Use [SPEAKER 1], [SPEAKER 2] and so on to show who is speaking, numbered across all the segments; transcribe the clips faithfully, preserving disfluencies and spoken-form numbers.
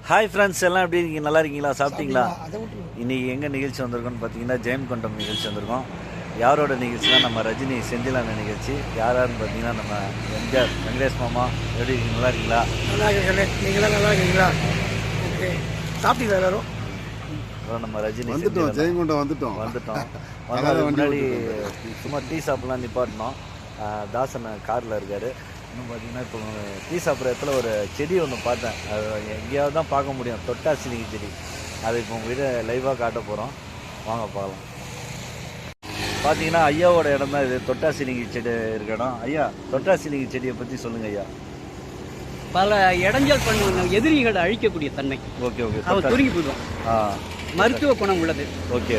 [SPEAKER 1] Hi friends, எல்லாம் எப்படி இருக்கீங்க? நல்லா இருக்கீங்களா? சாப்பிட்டீங்களா? இன்றைக்கி எங்கே நிகழ்ச்சி வந்திருக்கோன்னு பார்த்தீங்கன்னா ஜெயம் கொண்டம் நிகழ்ச்சி வந்திருக்கோம். யாரோட நிகழ்ச்சினா நம்ம ரஜினி செந்திலான நிகழ்ச்சி. யாராருன்னு பார்த்தீங்கன்னா நம்ம எம்ஜிஆர் வெங்கடேஷ் மாமா. எப்படி இருக்கீங்க? நல்லா இருக்கீங்களா?
[SPEAKER 2] நல்லா இருக்கீங்களே. நீங்களாம் நல்லா இருக்கீங்களா? ஓகே, சாப்பிட்டீங்களா எல்லாரும்?
[SPEAKER 1] நம்ம ரஜினி
[SPEAKER 3] வந்துட்டோம், ஜெயங்கொண்டம் வந்துட்டோம்
[SPEAKER 1] வந்துட்டோம் வந்ததுக்கு முன்னாடி சும்மா டீ சாப்பிட்லாம் நிப்பாட்டினோம். தாசன் காரில் இருக்கார். இன்னும் பார்த்தீங்கன்னா இப்போ டீ சாப்பிட்ற இடத்துல ஒரு செடி ஒன்று பார்த்தேன். அது எங்கேயாவது தான் பார்க்க முடியும், தொட்டாசிலிங்கி செடி. அது இப்போ உங்கள் வீட்டை லைவாக காட்ட போகிறோம், வாங்க பார்க்கலாம். பார்த்தீங்கன்னா ஐயாவோட இடம் தான் இது, தொட்டாசிலிங்கி செடி இருக்க இடம். ஐயா, தொட்டாசிலிங்கி செடியை பற்றி சொல்லுங்கள் ஐயா.
[SPEAKER 4] பல இடைஞ்சல் பண்ணுவாங்க, எதிரிகளை அழிக்கக்கூடிய தன்மை.
[SPEAKER 1] ஓகே ஓகே
[SPEAKER 4] அவர் சுருங்கி போயிடும்.
[SPEAKER 1] ஆ,
[SPEAKER 4] மருத்துவ குணம் உள்ளது.
[SPEAKER 1] ஓகே.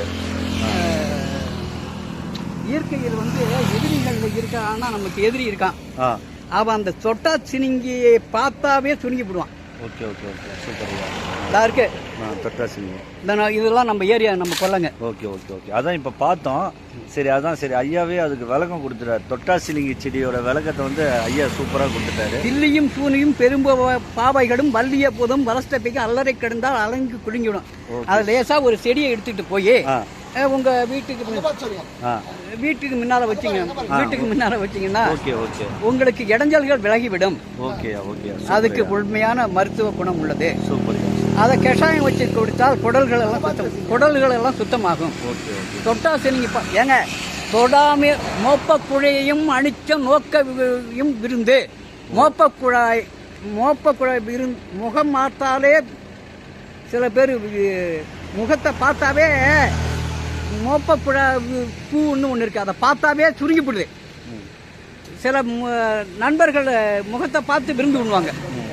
[SPEAKER 4] இயற்கையில் வந்து எதிரிகள் இருக்கா, ஆனால் நமக்கு எதிரி இருக்கான்.
[SPEAKER 1] ஆ,
[SPEAKER 4] அவன் அந்த தொட்டா சினிங்கியை பார்த்தாவே சுருங்கி போடுவான்.
[SPEAKER 1] ஓகே ஓகே ஓகே சூப்பர் ஐயா.
[SPEAKER 4] இதாக இருக்கு
[SPEAKER 1] தொட்டாசிலிங்கி.
[SPEAKER 4] இந்த இதெல்லாம் நம்ம ஏரியா, நம்ம கொல்லங்க.
[SPEAKER 1] ஓகே ஓகே ஓகே அதான் இப்போ பார்த்தோம். சரி, அதான் சரி, ஐயாவே அதுக்கு விளக்கம் கொடுத்துட்டாரு. தொட்டாசிலிங்கி செடியோட விளக்கத்தை வந்து ஐயா சூப்பராக கொடுத்துட்டாரு. தில்லியும்
[SPEAKER 4] சூனியும் பெரும்ப பாவைகளும் வள்ளிய போதும் வளர்த்தப்பைக்கு அல்லறை கிடந்தால் அலங்கு குலுங்கிவிடும். அது லேசா ஒரு செடியை எடுத்துட்டு போய் உங்க வீட்டுக்கு வீட்டுக்கு முன்னால வச்சீங்க வீட்டுக்கு முன்னால வச்சீங்கன்னா உங்களுக்கு இடைஞ்சல்கள் விலகிவிடும். அதுக்கு உண்மையான மருத்துவ குணம் உள்ளது. அதை கஷாயம் வச்சு கொடுத்தால் குடல்கள் எல்லாம் சுத்தம் குடல்கள் எல்லாம் சுத்தமாகும். தொட்டாசிலிங்கி ஏங்க, தொடாம மோப்ப குழையையும் அணிச்சம் நோக்கையும் விருந்து. மோப்ப குழாய் மோப்ப குழாய் விருந்து முகம் பார்த்தாலே சில பேர் முகத்தை பார்த்தாவே மோப்ப குழா பூன்னு ஒன்று இருக்குது, அதை பார்த்தாவே சுருங்கி போடுது. சில நண்பர்கள் முகத்தை பார்த்து விருந்து பண்ணுவாங்க,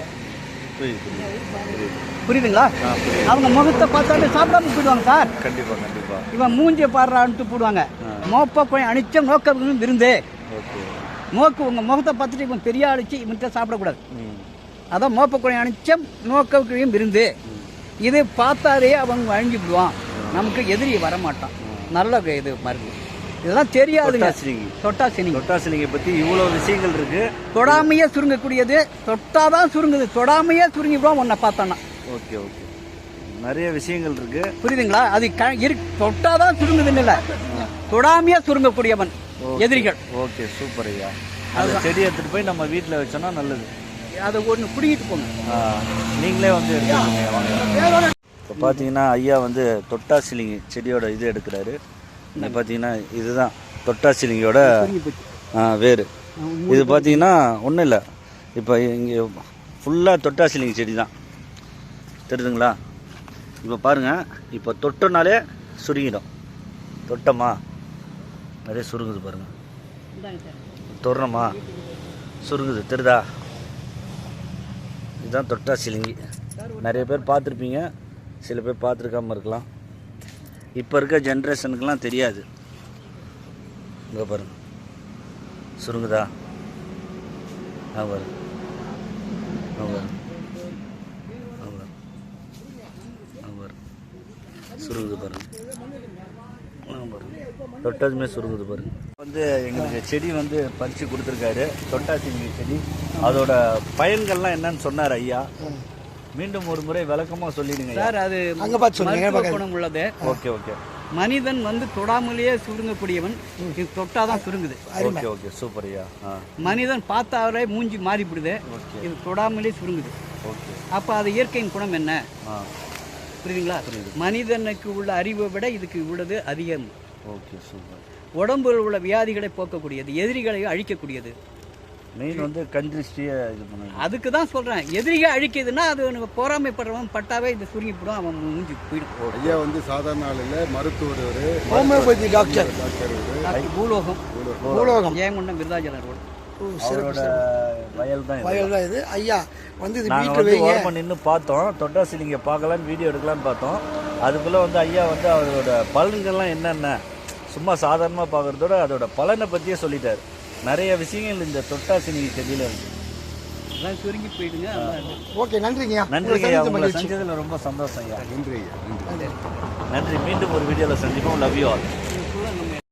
[SPEAKER 4] புரியுதுங்களா? அவங்க முகத்தை பார்த்தாலே சாப்பிடாம போயிடுவாங்க. சார்
[SPEAKER 1] கண்டிப்பா கண்டிப்பா
[SPEAKER 4] இவன் மூஞ்சியை பாடுறான்ட்டு போடுவாங்க. மோப்ப குழை அணிச்சம் நோக்க விருந்து. நோக்கு உங்க முகத்தை பார்த்துட்டு இவன் பெரிய அழிச்சு இவன்கிட்ட சாப்பிடக்கூடாது. அதான் மோப்ப குழை அணிச்சம் நோக்க விருந்து. இது பார்த்தாலே அவங்க அழிஞ்சு விடுவான், நமக்கு எதிரி வரமாட்டான். நல்ல இது மருந்து. இதெல்லாம் தெரியாதுங்க. தொட்டாசிலிங்கி
[SPEAKER 1] தொட்டாசிலிங்கி பற்றி இவ்வளோ விஷயங்கள் இருக்கு.
[SPEAKER 4] தொடாமையே சுருங்கக்கூடியது. தொட்டாதான் சுருங்குது, தொடாமையே சுருங்கிடுவோம் உன்னை பார்த்தோன்னா.
[SPEAKER 1] ஓகே ஓகே நிறைய விஷயங்கள் இருக்கு,
[SPEAKER 4] புரியுதுங்களா? அது தொட்டாதான் சுருங்குதுன்னு இல்லை, தொடாமையே சுருங்கக்கூடியவன் எதிரிகள்.
[SPEAKER 1] ஓகே சூப்பர் ஐயா. அந்த செடி எடுத்துட்டு போய் நம்ம வீட்டில் வச்சோன்னா நல்லது.
[SPEAKER 4] அதை ஒன்று பிடிக்கிட்டு போங்க,
[SPEAKER 1] நீங்களே வந்து எடுத்துக்கோங்க. இப்போ பார்த்தீங்கன்னா ஐயா வந்து தொட்டாசிலிங்கி செடியோட இது எடுக்கிறாரு. பார்த்தீங்கன்னா இதுதான் தொட்டாசிலிங்கியோட வேறு. இது பார்த்தீங்கன்னா ஒன்றும் இல்லை, இப்போ இங்கே ஃபுல்லாக தொட்டாசிலிங்கி செடி தான், தெரியுதுங்களா? இப்போ பாருங்கள், இப்போ தொட்டோனாலே சுருங்கிடும். தொட்டோமா நிறைய சுருங்குது பாருங்கள், தொடுறோமா சுருங்குது, தெரியுதா? இதுதான் தொட்டாசிலிங்கி. நிறைய பேர் பார்த்துருப்பீங்க, சில பேர் பார்த்துருக்காம இருக்கலாம். இப்போ இருக்க ஜென்ரேஷனுக்கெலாம் தெரியாது. இங்கே பாருங்க, சுருங்குதா? ஆ பாருங்க, ஆ பாருங்க, ஆ பாருங்க, ஆ பாருங்க, சுருங்குது பாருங்க, ஆ பாருங்க, தொட்டதுமே சுருங்குது பாருங்க. வந்து எங்களுக்கு செடி வந்து பறித்து கொடுத்துருக்காரு, தொட்டாசிலிங்கி செடி. அதோட பயன்கள்லாம் என்னன்னு சொன்னார் ஐயா. மீண்டும் ஒரு முறை விளக்கமா சொல்லிடுங்க
[SPEAKER 4] சார். அது அங்க பார்த்து சொல்லுங்க, குணம் உள்ளது.
[SPEAKER 1] ஓகே ஓகே
[SPEAKER 4] மனிதன் வந்து தொடாமலேயே சுருங்கக்கூடியவன். இது தொட்டாதான் சுருங்குது.
[SPEAKER 1] ஓகே ஓகே சூப்பர் ஐயா.
[SPEAKER 4] மனிதன் பார்த்தாலே மூஞ்சி மாறிவிடுது, இது தொடாமலே சுருங்குது.
[SPEAKER 1] ஓகே,
[SPEAKER 4] அப்ப அது இயற்கையின் குணம் என்ன? புரியுதுங்களா? மனிதனுக்கு உள்ள அறிவை விட இதுக்கு உள்ளது அதிகம்.
[SPEAKER 1] Okay super.
[SPEAKER 4] உடம்பில் உள்ள வியாதிகளை போக்கக்கூடியது, எதிரிகளை அழிக்கக்கூடியது.
[SPEAKER 1] மெயின் வந்து கண்திருஷ்டியை இது பண்ணுங்க.
[SPEAKER 4] அதுக்கு தான் சொல்கிறேன், எதிரிகள் அழிக்குதுன்னா அது பொறாமைப்படுறவன் பட்டாவே இது சுருங்கி போடும், அவன் மூஞ்சி போயிடும்.
[SPEAKER 3] ஐயா வந்து சாதாரண ஆள் இல்லை, மருத்துவர்,
[SPEAKER 2] ஹோமியோபதி டாக்டர்,
[SPEAKER 4] பூலோகம் பூலோகம் ஜெயங்கொண்டம் விருதாச்சலம் ரோடு.
[SPEAKER 1] வயல் தான்
[SPEAKER 2] வயல் தான் இது. ஐயா வந்து இது
[SPEAKER 1] நாங்கள் வந்து ஓரமாக நின்று பார்த்தோம், தொட்டாசிலிங்கை பார்க்கலான்னு வீடியோ எடுக்கலான்னு பார்த்தோம். அதுக்குள்ளே வந்து ஐயா வந்து அவரோட பலன்கள்லாம் என்னென்ன சும்மா சாதாரணமாக பார்க்குறதோட அதோட பலனை பற்றியே சொல்லிட்டார். நிறைய விஷயங்கள் இந்த தொட்டாசிலிங்கி செடியில் இருக்கு.
[SPEAKER 4] எல்லாம் சுருங்கி போயிடுங்க.
[SPEAKER 2] ஓகே, நன்றிங்க.
[SPEAKER 1] நன்றிங்க ஐயா, உங்களை செஞ்சதில் ரொம்ப சந்தோஷம் ஐயா.
[SPEAKER 3] நன்றி ஐயா,
[SPEAKER 1] நன்றி. மீண்டும் ஒரு வீடியோவில் சந்திப்போம். Love you all.